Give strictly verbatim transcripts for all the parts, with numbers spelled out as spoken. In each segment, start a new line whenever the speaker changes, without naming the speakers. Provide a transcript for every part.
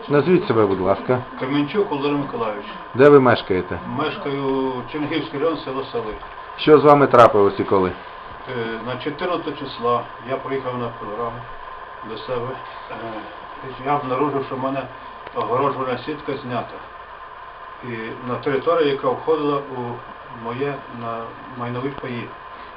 Назвіть себе, будь ласка.
Кам'янчук Володимир Миколайович.
Де ви мешкаєте?
Мешкаю Чернігівський район, село Сали.
Що з вами трапилось і коли?
Е, На чотирнадцятого числа я приїхав на програму до себе. Е, Я обнаружив, що в мене огороджувальна сітка знята. І на територію, яка входила у моє на майнові паї.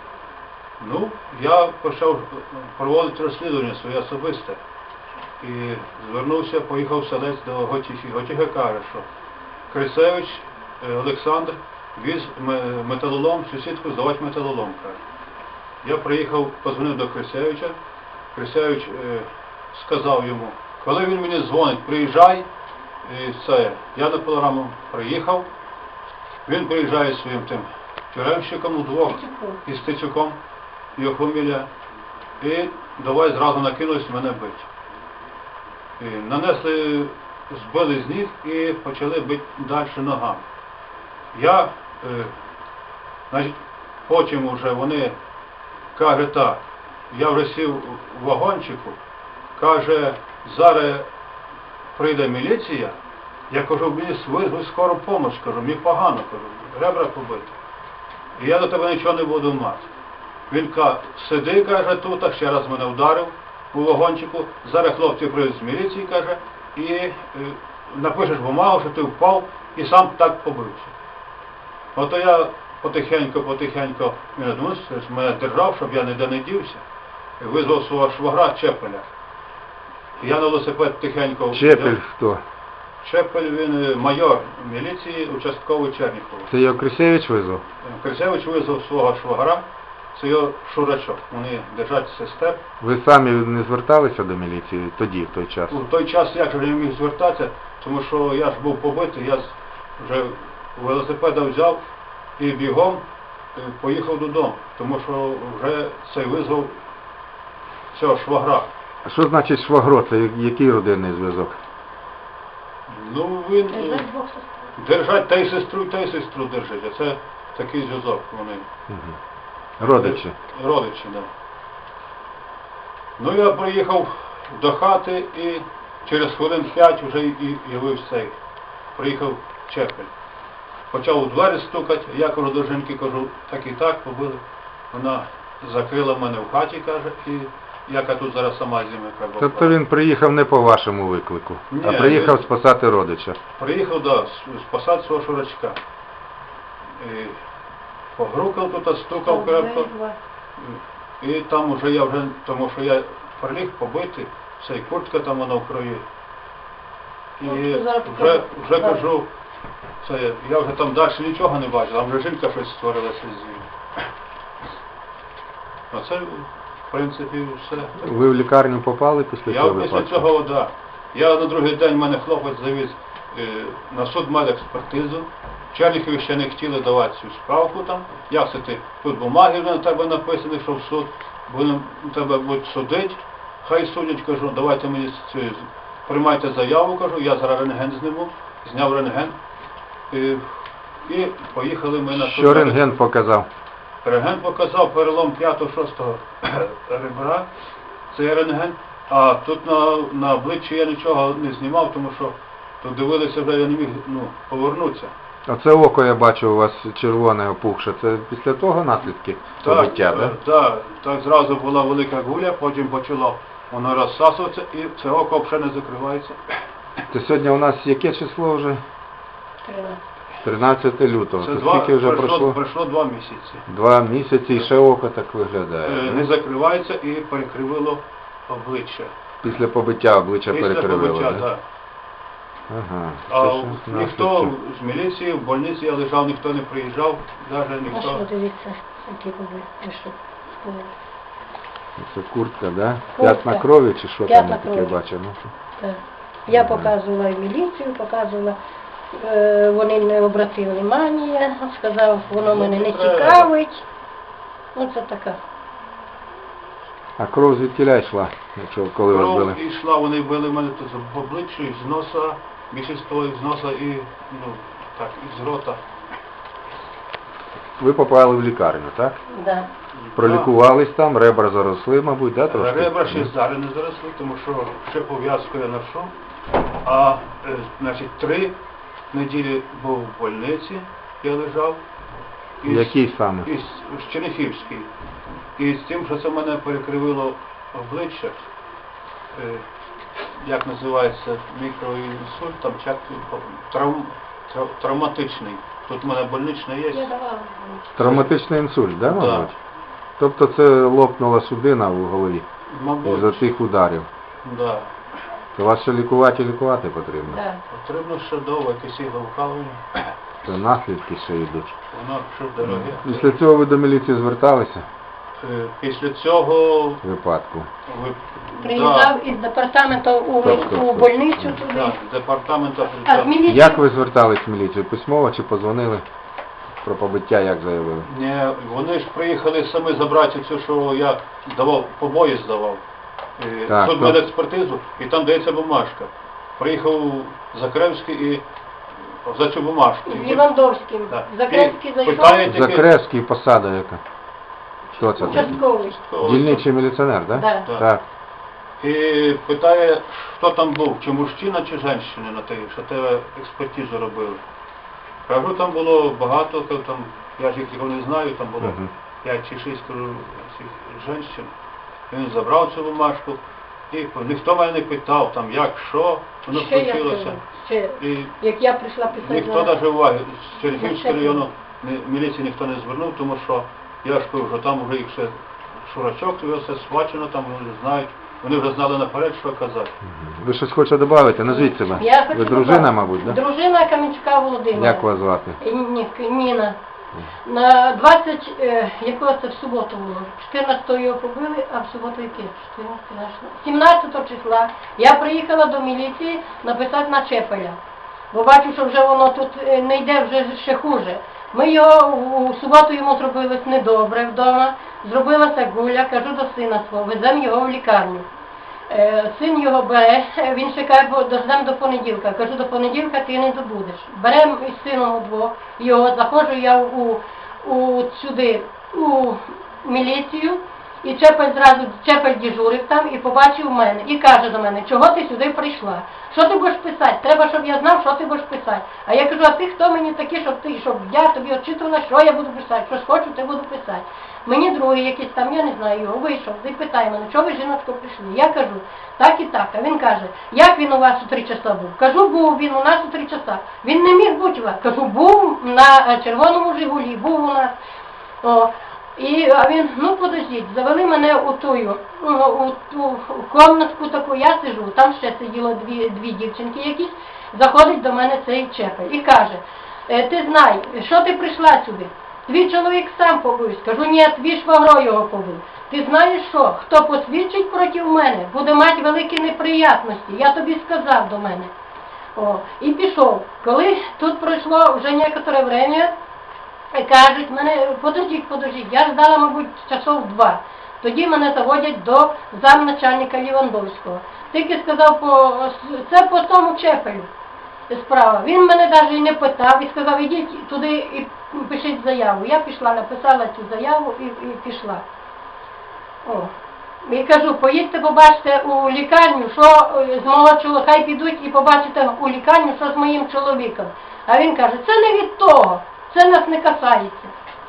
Ну, я почав проводити розслідування своє особисте. І звернувся, поїхав в селець до Готіхи. Готіха каже, що Крисевич Олександр віз металолом, сусідку здавати металолом, каже. Я приїхав, позвонив до Крисевича. Крисевич е, сказав йому, коли він мені дзвонить, приїжджай. І це, я на програму приїхав. Він приїжджає зі своїм тим тюремщиком удвох із Стецюком, його фамілія. І давай зразу накинулись мене бити. І нанесли, збили з ніг і почали бити далі ногами. Я, е, значить, потім вже вони, каже так, я вже сів в вагончику, каже, зараз прийде міліція, я кажу, мені визвуть скору допомогу, кажу, мені погано, кажу, ребра побити. І я до тебе нічого не буду мати. Він каже, сиди, каже, тут, а ще раз мене вдарив у вагончику, зараз хлопці прийдуть з міліції, каже, і е, напишеш бумагу, що ти впав і сам так побився. Ото я потихеньку-потихеньку, він мене держав, щоб я ніде не дівся, визвав свого швагра Чепеля. Я на велосипед тихенько...
Чепель хто?
Чепель, він майор міліції, участковий Черніхова.
Це його Крисевич визвав?
Крисевич визвав свого швагра, це його шурачок. Вони держать сестер.
Ви самі не зверталися до міліції тоді, в той час?
У той час я вже не міг звертатися, тому що я ж був побитий, я вже велосипеда взяв і бігом поїхав додому, тому що вже цей визвав цього швагра.
А що значить швагро? Це який родинний зв'язок?
Ну, він держать та й сестру, та й сестру держать, а це такий зв'язок вони.
Угу. Родичі?
Родичі, так. Да. Ну, я приїхав до хати і через хвилин п'ять вже і явився цей. Приїхав Чепель. Почав у двері стукати, я кажу до жінки, кажу, так і так побили. Вона закрила мене в хаті, каже, і яка тут зараз сама зима треба.
Тобто він приїхав не по вашому виклику,
Ні,
а приїхав
він...
спасати родича?
Приїхав, да, спасати свого шурачка. І погрукав тут, стукав крепко. І там уже я вже, тому що я приліг побити, цей куртка там вона в крові. І вже, вже кажу, це, я вже там далі нічого не бачив, там вже жінка щось створилася з ним. А це, в принципі, все.
Ви в лікарню попали після
я
цього
після
випадку?
цього, так. Да. Я на другий день мене хлопець завіз е, на судмедекспертизу. В Черніхові ще не хотіли давати цю справку там. Як це ти? Тут бумаги на тебе написані, що в суд будемо тебе будуть судити. Хай судять, кажу, давайте мені цю, приймайте заяву, кажу, я зараз рентген зніму, зняв рентген. І, і поїхали ми на суд.
Що рентген показав?
Рентген показав перелом п'ятого-шостого ребра, це рентген. А тут на, на обличчі я нічого не знімав, тому що тут дивилися вже, я не міг ну, повернутися.
Оце око я бачу у вас червоне опухше. Це після того наслідки побиття, так?
Так, так, зразу була велика гуля, потім почало воно розсасуватися і це око взагалі не закривається.
Це сьогодні у нас яке число вже? тринадцяте лютого.
Це
Це
два,
скільки вже
пройшло,
пройшло?
пройшло два місяці.
Два місяці і ще око так виглядає.
Е, не закривається і перекривило обличчя.
Після побиття обличчя
Після
перекривило,
побиття,
так?
так.
Ага.
А
Це
ніхто
наслідки.
з міліції, в больниці я лежав, ніхто не приїжджав, навіть
А
ніхто.
що, дивіться, які були, що?
Це куртка, так? Да?
Куртка.
П'ятна крові чи що
П'ятна
там я таке
крові.
бачив? Ну,
Так. Я
Ага.
показувала і міліцію, показувала, е, вони не обратили внимання, сказав, воно мене не цікавить. Ну це така.
А кров звідкіля йшла, якщо коли вас били?
Кров йшла, вони били мене тут в обличчю, з носа, більшість з носа і, ну, так, із рота.
Ви попали в лікарню, так?
Да.
Пролікувались там, ребра заросли, мабуть, да, трошки?
Ребра ще зараз не заросли, тому що ще пов'язку я ношу. А е, значить, три неділі був в больниці, я лежав. Із-
Який саме?
Із, з Черняхівський. І з тим, що це в мене перекривило обличчя, е, як називається, мікроінсульт, там чак, травм, трав, травматичний. Тут в мене больнична
Я
є.
давала.
Травматичний інсульт, да,
Да.
мабуть? Тобто це лопнула судина в голові
Мабуть,
із-за тих ударів.
да.
То вас ще лікувати і лікувати потрібно.
Да.
Потрібно ще довго якесь ігловкалування.
Це наслідки ще йдуть.
Воно ще дороге.
Після цього ви до міліції зверталися
Е, Після цього
в випадку?
ви,
Приїжджав із департаменту у,
Тобто,
у больницю
да,
туди.
да, з департаменту
А з міліції
Як ви звертались в міліцію? Письмово чи позвонили про побиття, як заявили?
Ні, вони ж приїхали самі забрати цю, що я давав, побої здавав. Е,
Так,
Тут
то-
мене експертизу, і там дається бумажка. Приїхав Закревський і за цю бумажку.
з Лівандовським.
Да.
Закревський
І
зайшов.
питає тільки-
Закревський, посада яка? Хто це такий?
Участковий.
Дільничий міліціонер, так?
Да.
Так.
Так.
І питає, хто там був, чи мужчина, чи жінка на те, що тебе експертизу робили. Кажу, там було багато, кажу, там, я ж їх його не знаю, там було
Мгм.
п'ять чи шість кажу, цих жінок. Він забрав цю бумажку, і ніхто мене не питав, там, як, що, воно
Ще я
случилося.
кажу, ще,
І
як я прийшла писати
ніхто
на...
навіть уваги з Чернігівського
Щепи.
району ні- міліції ніхто не звернув, тому що я ж кажу, що там вже їх все шурачок, його все схвачено, там вони знають, вони вже знали наперед, що казати.
Ви щось хочете додати? Назвіть себе.
Я хочу
Ви дружина,
додати.
мабуть, так? Да?
Дружина Кам'янчука Володимира.
Як вас звати?
Ні, Ніна. На двадцять, е, якого це в суботу було? чотирнадцятого його побили, а в суботу яке? сімнадцятого числа я приїхала до міліції написати на Чепеля. Бо бачу, що вже воно тут е, не йде, вже ще хуже. Ми його у суботу йому зробилось недобре вдома, зробилася гуля, кажу до сина свого, веземо його в лікарню. Е, Син його бере, е, він чекає, бо дождемо до понеділка. Кажу, до понеділка ти не добудеш. Беремо із сином удвох його, заходжу я у, у сюди, у міліцію, і Чепель зразу, Чепель дежурив там і побачив мене. І каже до мене, чого ти сюди прийшла? Що ти будеш писати? Треба, щоб я знав, що ти будеш писати. А я кажу, а ти хто мені такий, щоб ти, щоб я тобі очитувала, що я буду писати? Щось хочу, ти буду писати. Мені другий якийсь там, я не знаю його, вийшов, і питає мене, чого ви, жіночко, прийшли? Я кажу, так і так. А він каже, як він у вас у три часа був? Кажу, був він у нас у три часа. Він не міг бути у вас. Кажу, був на червоному Жигулі, був у нас. О, і, а він, ну подождіть, завели мене у тую, ну, у ту комнатку таку, я сижу, там ще сиділо дві, дві дівчинки якісь, заходить до мене цей Чепель і каже, «Е, ти знай, що ти прийшла сюди? Твій чоловік сам побив. Скажу, ні, твій швагро його побив. Ти знаєш що, хто посвідчить проти мене, буде мати великі неприятності, я тобі сказав до мене. О, і пішов. Коли тут пройшло вже некоторе время, кажуть, мене, подождіть, подождіть, я ждала, мабуть, часов два. Тоді мене заводять до замначальника Лівандовського. Тільки сказав, по, це по тому Чепелю справа. Він мене навіть і не питав і сказав, ідіть туди і пишіть заяву. Я пішла, написала цю заяву і, і пішла. О. І кажу, поїдьте, побачите у лікарню, що з мого чоловіка, хай підуть і побачите у лікарню, що з моїм чоловіком. А він каже, це не від того, це нас не касається.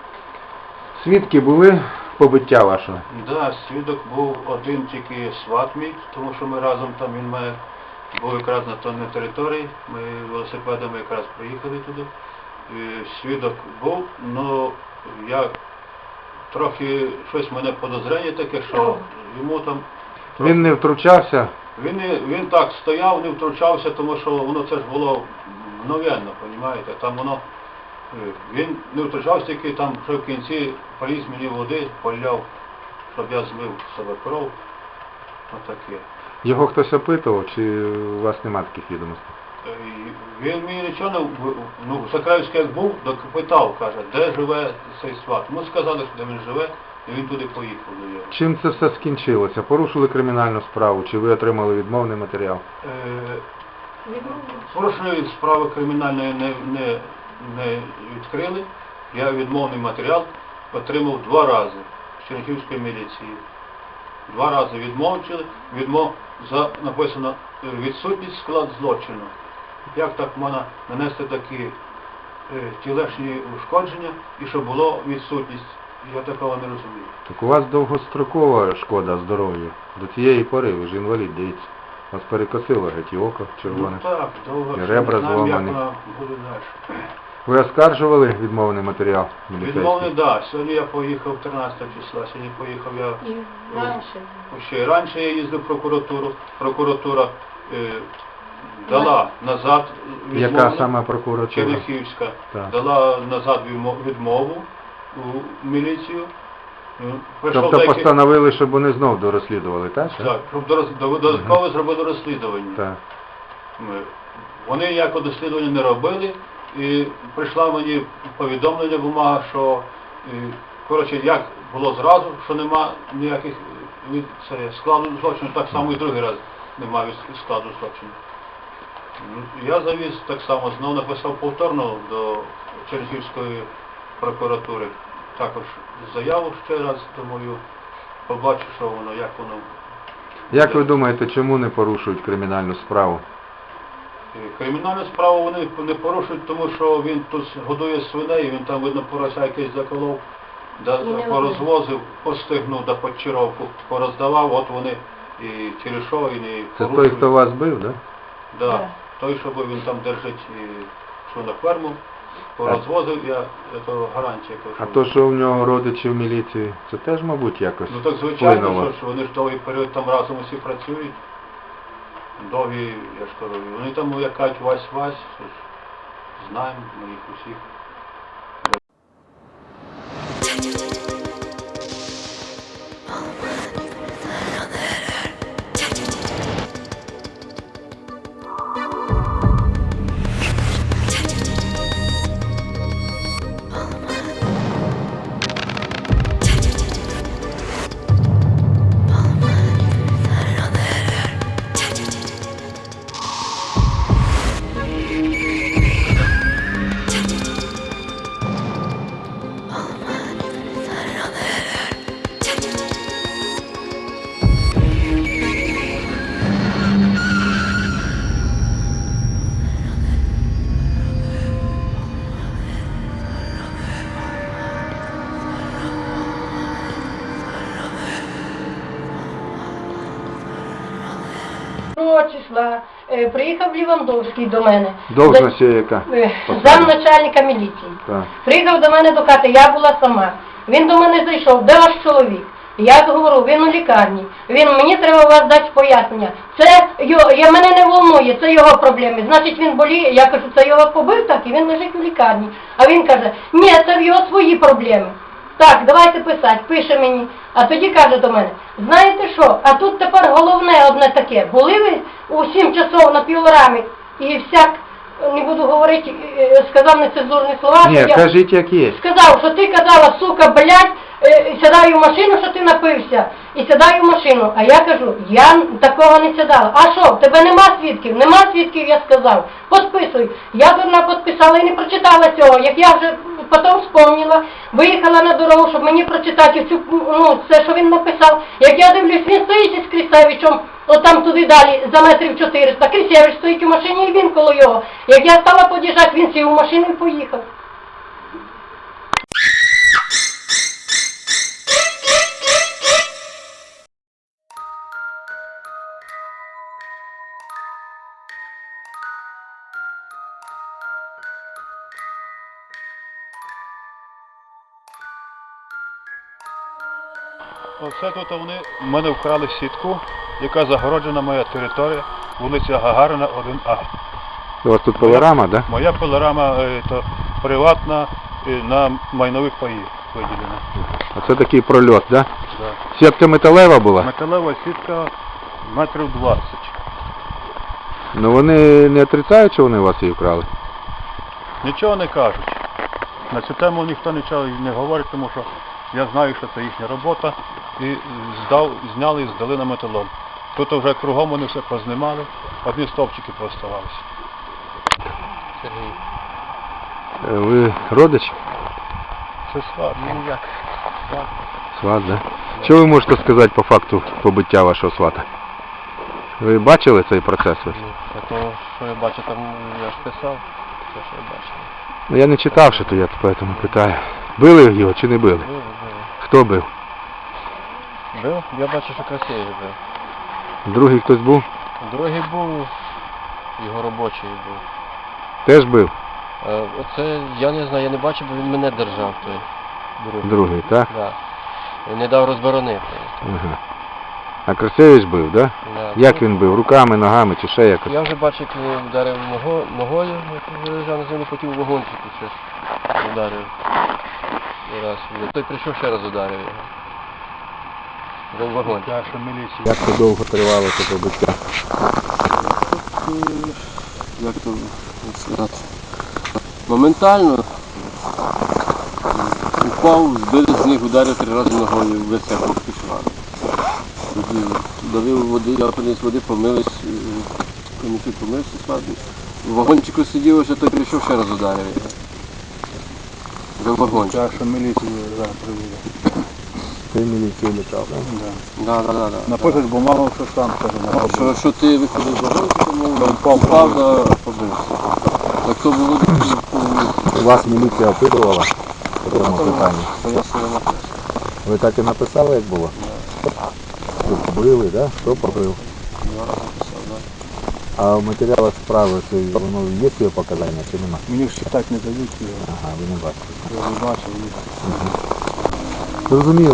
Свідки були побиття вашого?
Да, свідок був один тільки сват мій, тому що ми разом там, він має, був якраз на тонній території, ми велосипедами якраз приїхали туди. І свідок був, але я трохи, щось в мене подозрення таке, що йому там...
Він не втручався?
Він, не- він так стояв, не втручався, тому що воно це ж було мгновенно, розумієте, там воно... е, Він не втручався, тільки там вже в кінці поліз мені води, поляв, щоб я змив з себе кров. Отаке.
Його хтось опитував, чи у вас нема таких відомостей?
Е, і Він мені нічого не... в- Ну, Закревський як був, так питав, каже, де живе цей сват. Ми сказали, що де він живе, і він туди поїхав до його.
Чим це все скінчилося? Порушили кримінальну справу, чи ви отримали відмовний матеріал?
Е, Порушеної справи кримінальної не, не, не відкрили. Я відмовний матеріал отримав два рази з Чернігівської міліції. Два рази відмовчили, відмов за написано е, відсутність склад злочину. Як так можна нанести такі е, тілесні ушкодження і щоб було відсутність? Я такого не розумію.
Так у вас довгострокова шкода здоров'ю. До цієї пори ви ж інвалід, дивіться. Вас перекосило геть і око червоне.
Ну так, довго
І
що
ребра
не знаємо, як
зломані.
вона буде далі.
Ви оскаржували відмовний матеріал міліцейський?
Відмовний, так. Да. Сьогодні я поїхав тринадцятого числа, сьогодні поїхав я...
І раніше.
Ще й раніше я їздив в прокуратуру. Прокуратура е, дала назад відмову.
Яка саме прокуратура?
Черняхівська.
Так.
Дала назад відмо- відмову у міліцію. Е, прийшов
Тобто
деякий-
постановили, щоб вони знов дорозслідували, так?
Так, щоб дорос- до- додатково зробили розслідування.
Так.
Ми- Вони ніякого дослідження не робили, і прийшла мені повідомлення, бумага, що е, коротше, як було зразу, що нема ніяких е, від це, складу злочину, так само і другий раз немає від складу злочину. Ну, Я завіз так само, знову написав повторно до Чернігівської прокуратури, також заяву ще раз, думаю, побачу, що воно, як воно.
Як ви думаєте, чому не порушують кримінальну справу?
Кримінальну справу вони не порушують, тому що він тут годує свиней, він там, видно, порося якийсь заколов, да,
І не
порозвозив, постигнув, да почаровку пороздавав, от вони і через що і не
Це
порушують.
той, хто вас бив, да?
Да.
Да.
Той, що він там держить на ферму, порозвозив, я, це гарантія. кажу.
А то, що в нього родичі в міліції, це теж, мабуть, якось
Ну так звичайно,
вплинуло?
що, що вони ж довгий період там разом усі працюють. Довгі, я ж кажу, вони там як кажуть Вась-Вась, що ж, знаємо ми їх усіх.
Другого числа е, приїхав Лівандовський до мене.
Должність є яка?
Е,
Посада?
Замначальника міліції.
Так.
Приїхав до мене до хати, я була сама. Він до мене зайшов, де ваш чоловік? Я говорю, він у лікарні. Він, мені треба у вас дати пояснення. Це його, я, мене не волнує, це його проблеми. Значить він боліє, я кажу, це його побив так, і він лежить у лікарні. А він каже, ні, це в його свої проблеми. Так, давайте писати, пише мені. А тоді каже до мене, знаєте що, а тут тепер головне одне таке. Були ви у сім часов на пілорамі і всяк, не буду говорити, е, сказав нецензурні слова.
Ні,
що я...
кажіть, як є.
Сказав, що ти казала, сука, блядь, е, сідай у машину, що ти напився, і сідай у машину. А я кажу, я такого не сідала. А що, в тебе нема свідків? Нема свідків, я сказав. Подписуй. Я дурна підписала і не прочитала цього. Як я вже потім вспомнила, виїхала на дорогу, щоб мені прочитати цю, ну, це, що він написав. Як я дивлюсь, він стоїть із Крісевичем, отам туди далі, за метрів чотириста. Крісевич стоїть у машині і він коло його. Як я стала під'їжджати, він сів у машину і поїхав.
Оце тут вони в мене вкрали сітку, яка загороджена моя територія, вулиця Гагарина, один А.
У вас тут пилорама, да?
Моя пилорама е, то приватна е, на майнових паїв виділена.
А це такий прольот, да?
Да.
Сітка металева була?
Металева сітка метрів двадцять.
Ну вони не отрицають, що вони у вас її вкрали?
Нічого не кажуть. На цю тему ніхто нічого не говорить, тому що я знаю, що це їхня робота. І здав, зняли і здали на металом. Тут вже кругом вони все познімали, одні стовпчики пооставалися. Сергій.
Е, Ви родич?
Це сват. Ну як? Сват.
Сват, да? Що ви можете сказати по факту побиття вашого свата? Ви бачили цей процес весь?
Ну, а то, що я бачу, там я ж писав, те, що я бачив.
Ну я не читав, що то я поэтому питаю. Били його чи не били?
Бив, бив.
Хто бив?
Бив? Я бачу, що красивий бив.
Другий хтось був?
Другий був, його робочий був.
Теж бив?
Е, Оце, я не знаю, я не бачив, бо він мене держав той. Другий.
Другий, так?
Да. Він не дав розборонити.
Ага. А Красевич бив, так?
Да.
Як він бив? Руками, ногами чи ще якось?
Я вже бачив, як він вдарив ного, ногою, як він лежав на землі, потім у вагончику щось ударив. І раз. Той прийшов, ще раз ударив його. Вже в вагончик.
Наша міліція.
Як це довго тривало це побиття?
Як то сказати? Моментально упав, збили з них, ударив три рази ногою, весь як пішла. Давив води, я приніс води, помились, комісію помився, складно. В вагончику сидів, що той прийшов, ще раз ударив його. Вже в вагончик.
Наша міліція зараз приведе.
Ти міліцію літав, так?
Да.
Да, да, да, да.
Напишеш бумагу, що сам каже.
Що, що ти виходив з вагончика, мов, впав, да, побився. Так то було
Вас міліція опитувала по цьому питанні?
пояснення написано.
Ви так і написали, як було? Тут били, так? Хто побив?
Я написав, да.
А в матеріалах справи це воно є своє показання чи нема?
Мені ж читати не дають його.
Ага, ви не бачите.
Я не бачив їх.
Зрозуміло.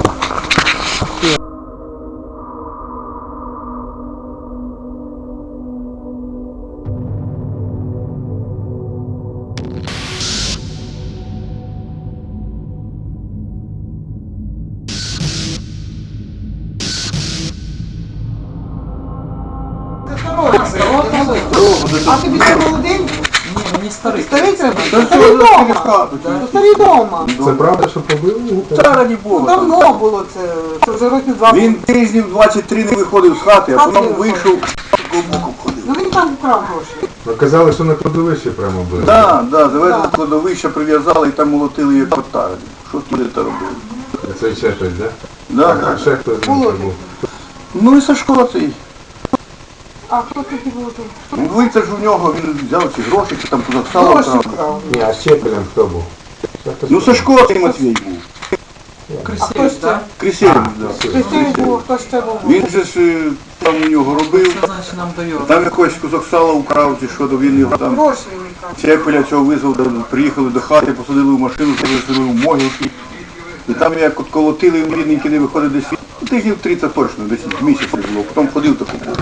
А тобі це молодий?
Ні, мені старий.
Старий треба? Старий дома. Старий дома.
Це правда, що побили?
Вчора не було.
Давно було це. Це вже років два.
Він тижнів двадцять три не виходив з хати, а потім вийшов, боком ходив.
Ну він там вкрав гроші.
Ви казали, що на кладовищі прямо били.
Так, да, завезли до кладовища, прив'язали і там молотили як котари. Що туди та робили?
Це ще щось, так?
Да.
А ще хтось з
Було
них
таке.
був?
Ну і Сашко цей.
А хто тоді був тут?
Ну, вийти ж у нього, він взяв ці гроші, чи там куди сало
Гроші
вкрав.
вкрав.
Ні, а щепелем хто був? Ще хтось
Ну
був?
Сашко цей Матвій був.
А хто ще?
Крисєвич, да.
Хтось був, хто ще був?
Він же ж е, там у нього робив,
Це значить нам дає.
там якось кусок сала украв, чи що, то він його там
Гроші він вкрав.
Чепеля цього визвав, там, приїхали до хати, посадили в машину, повезли в могилки. І там як от колотили, він рідненький не виходить десь, ну, тижнів тридцять точно, десь місяць не було, потім ходив таку боку.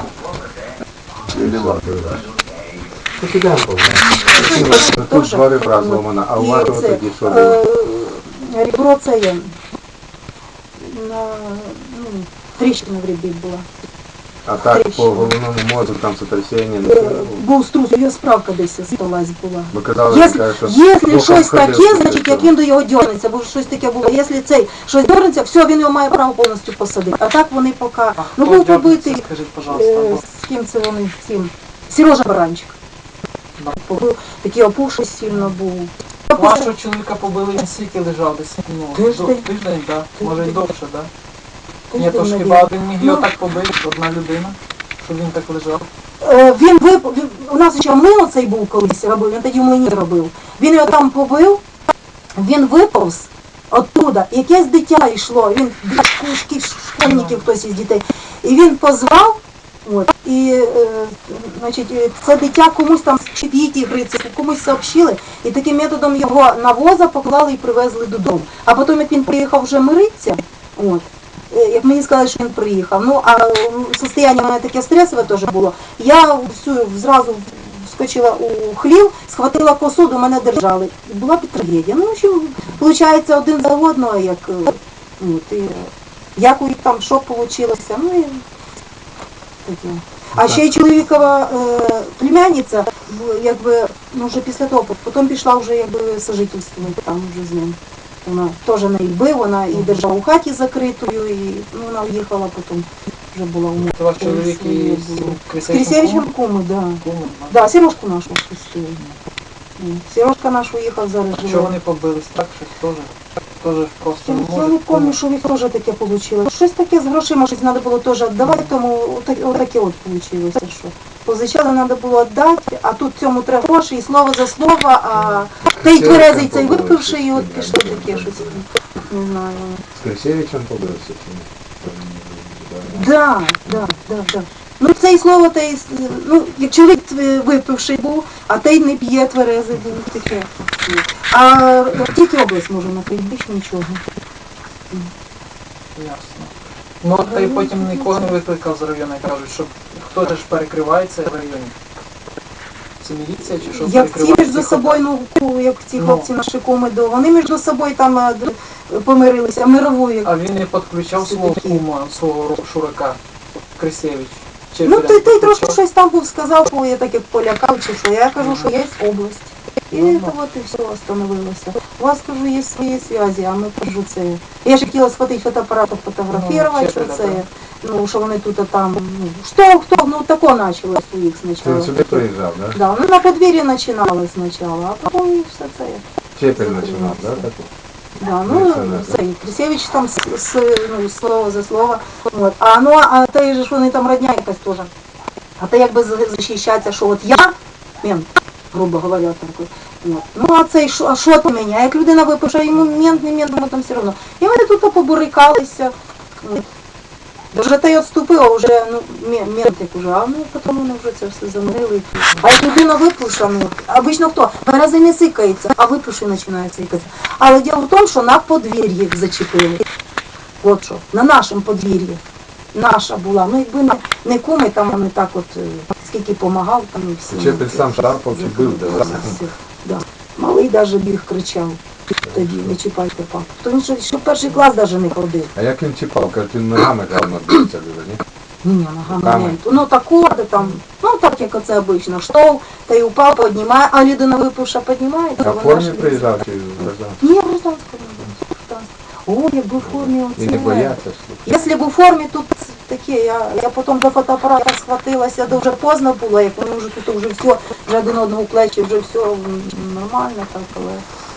Це підемо, тут два ребра зломана, а у вас тоді що було?
Ребро це є. На, ну, тріщина в ребрі була.
А так по
тріщина.
головному мозку там сотрясіння,
Е,
не було?
Був струс, його справка десь сталась була.
Ви казали,
Якщо,
що
якщо
боком
щось
ходив,
таке,
то
значить
що?
як він до його дернеться, бо щось таке було. Якщо цей щось дернеться, все, він його має право повністю посадити. А так вони поки... Ну був побитий,
Скажіть, пожалуйста.
е,
бо-
з ким це вони, з ким? Сережа Баранчик. Побив, такий опухший сильно був.
Вашого чоловіка побили, він скільки лежав десь? Ну,
Тиждень.
до- Тиждень, так. Може й довше, так? Ні, то ж
Тиждень,
хіба один міг його
Ну.
так побити, одна людина, щоб він так лежав.
Е, Він вип... він- у нас ще млин оцей був колись робив, він тоді в млині робив. Він його там побив, він виповз оттуда, якесь дитя йшло, він шкільки, школьників хтось із дітей. І він позвав, от, і е, значить, е, це дитя комусь там чи діти гриці, комусь сообщили, і таким методом його на воза поклали і привезли додому. А потім, як він приїхав вже миритися, от, Е, як мені сказали, що він приїхав. Ну, а м, состояние у мене таке стресове теж було. Я всю зразу вскочила у хлів, схватила посуду, мене держали. І була б трагедія. Ну, в общем, виходить, один за одного, як, е, от, і, як у них там, що вийшло. Ну, і таке. А ще й чоловікова е, племянниця, в- якби, ну, вже після того, потім пішла вже, якби, сожительствувати там вже з ним. Вона теж не бив, вона і держала у хаті закритою, і ну, вона уїхала потім, вже була у
Це ваш чоловік і
Крисєвичем
з
З
Крисєвичем
Крисєвичем
кумом?
куми, да.
Кумом, да.
Да, Сережку нашу пустили. Сережка наш уїхав зараз
Що
живе.
вони побились, так, щось теж? теж просто не
Я
може.
не пам'ятаю, що в них теж таке вийшло. Щось таке з грошима, щось треба було теж віддавати, тому отак- отаке от вийшло. Що позичали, треба було віддати, а тут цьому треба гроші, і слово за слово, а той тверезий цей випивши, і от пішло таке щось. Не знаю.
З Крисевичем побився чи ні?
Да, да, да, да. Ну це і слово, те і, ну, як чоловік е, випивший був, а той не п'є, тверезий був, таке. А тільки область може накрити, більше нічого.
Ясно. Ну, та й потім нікого не викликав з району, і кажуть, що хто ж перекривається в районі? Це міліція чи що
Як ці
перекриває
між
цих
собою, ну, ку- як ці
Ну.
хлопці наші куми, до, вони між собою там е, д- помирилися, мировою.
А він не підключав свого кума, свого ро- шурака, Крисевич. Чи
Ну,
прям
той, той
підключав?
трошки щось там був сказав, що я так як полякав, чи що. Я кажу, що є область. І
Ну,
то от і все остановилося. У вас, кажу, є свої зв'язі, а ми, кажу, це... Я ж хотіла схватити фотоапарат, фотографувати,
Ну,
що
чепля,
це,
да.
ну, що вони тут а там, ну, що, хто, ну, тако почалось у їх
Ти
спочатку.
сюди приїжджав, да?
Да, ну, на подвір'ї починали спочатку, а потім і все це.
Чепель починав, да? так?
Да, ну,
Міліціонер, да?
цей, Крисевич там с, с, ну, слово за слово. От. А, ну, а той же ж вони там родня якась теж. А то якби за- захищатися, що от я, мент, грубо говоря, такий. От. Ну, а цей, шо- а що ти мене? А як людина випише, йому мент, не мент, йому там все одно. І вони тут побурикалися. От. Вже той відступив, а вже, ну, ме- мент як уже, а ну, потім вони вже це все замирили. А як людина випише, ну, обично хто? Берези не сикається, а випише починає сикатися. Але діло в тому, що на подвір'ї їх зачепили. От що, на нашому подвір'ї. Наша була. Ну, якби не, не куми, там вони так от, е, скільки помагав, там і всі.
Чепель сам шарпав чи бив, да?
Всіх, да. Малий навіть біг кричав тоді, не чіпайте папу. То він ще, ще в перший клас навіть не ходив.
А як він чіпав? Кажуть, він ногами там набився дуже, ні?
Ні, ні, ногами
Руками?
не. Ну так орди там, ну так як оце обично, штовх, та й упав, піднімає, а людина випивша піднімає.
А
то
в
вона
формі
ж-
приїжджав чи в гражданській?
Ні, в гражданському не було, в гражданському. О, якби в формі
І
оце.
не бояться, слухай.
Якщо б у формі тут таке, я, я потім до фотоапарата схватилася, то вже поздно було, як вони вже тут вже все, вже один одного в плечі, вже все м, нормально так, але...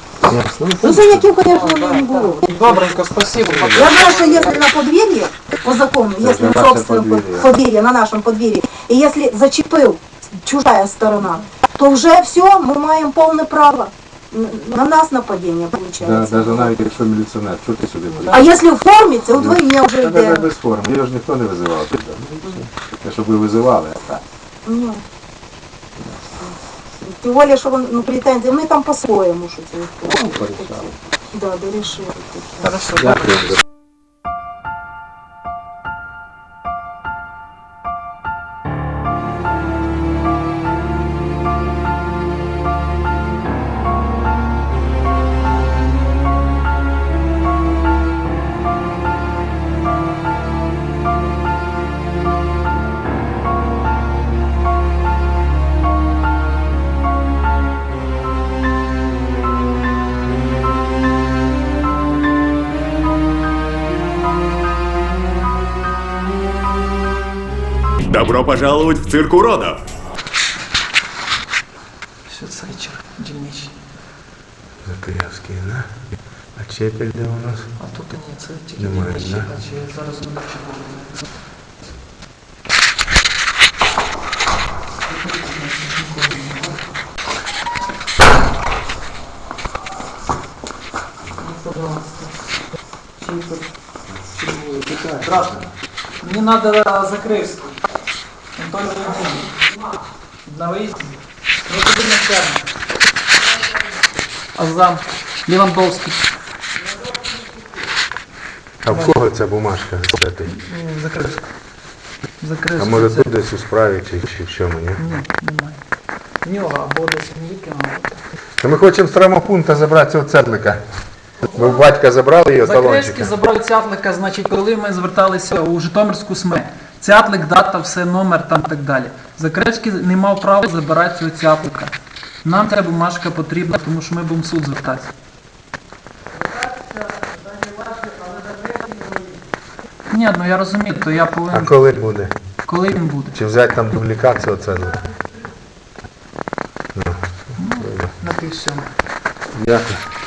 Ну, синяків, звісно, не було.
Добренько, спасибо.
Я знаю, что если на подверье, по закону, если
на
на
наше
собственном
подверье.
подверье, на нашем подверье, и если зачепил чужая сторона, то вже все, мы маем полное право. Н- На нас нападение
Да,
получается.
навіть навіть якщо міліціонер, що ти сюди
А
приїхав?
если в форме, це удвоєння вже
Та навіть
йде.
без форми, його ж ніхто не визивав сюди. Те, щоб ви визивали, а так.
Ні. Тим більше, що вони, ну, претензії, вони там по-своєму, що це.
Ну, порішали.
Да, дорішили.
Хорошо.
Дякую.
Добро пожаловать в цирк уродов!
Все, цей дільничний.
Закрявський, да? А Чепель де у нас?
А тут ні, це тільки
Немає,
дільничний,
да?
а чи зараз не бачу. Здравствуйте. Мне надо Закревский. Анатолий Леонидович. На выезде. Ну, это начальник. А зам Левандовский.
А в кого ця бумажка святий?
Закревский.
А
Закревский.
може тут десь у справі чи, чи в чому, ні?
Ні, немає. В нього або десь міліки мабуть.
Та ми хочемо з травмопункту забрати цього цетлика. Бо в батька забрали його
Закревський
талончика.
забрав цятлика, значить, коли ми зверталися у Житомирську СМЕ. Цятлик, дата, все, номер там і так далі. Закревський не мав права забирати цього цятлика. Нам ця бумажка потрібна, тому що ми будемо в суд звертатися. Ні, ну я розумію, то я
А
повинен...
коли буде?
Коли він буде?
Чи взяти там дублікат цього цетлика?
На півсьому.
Дякую.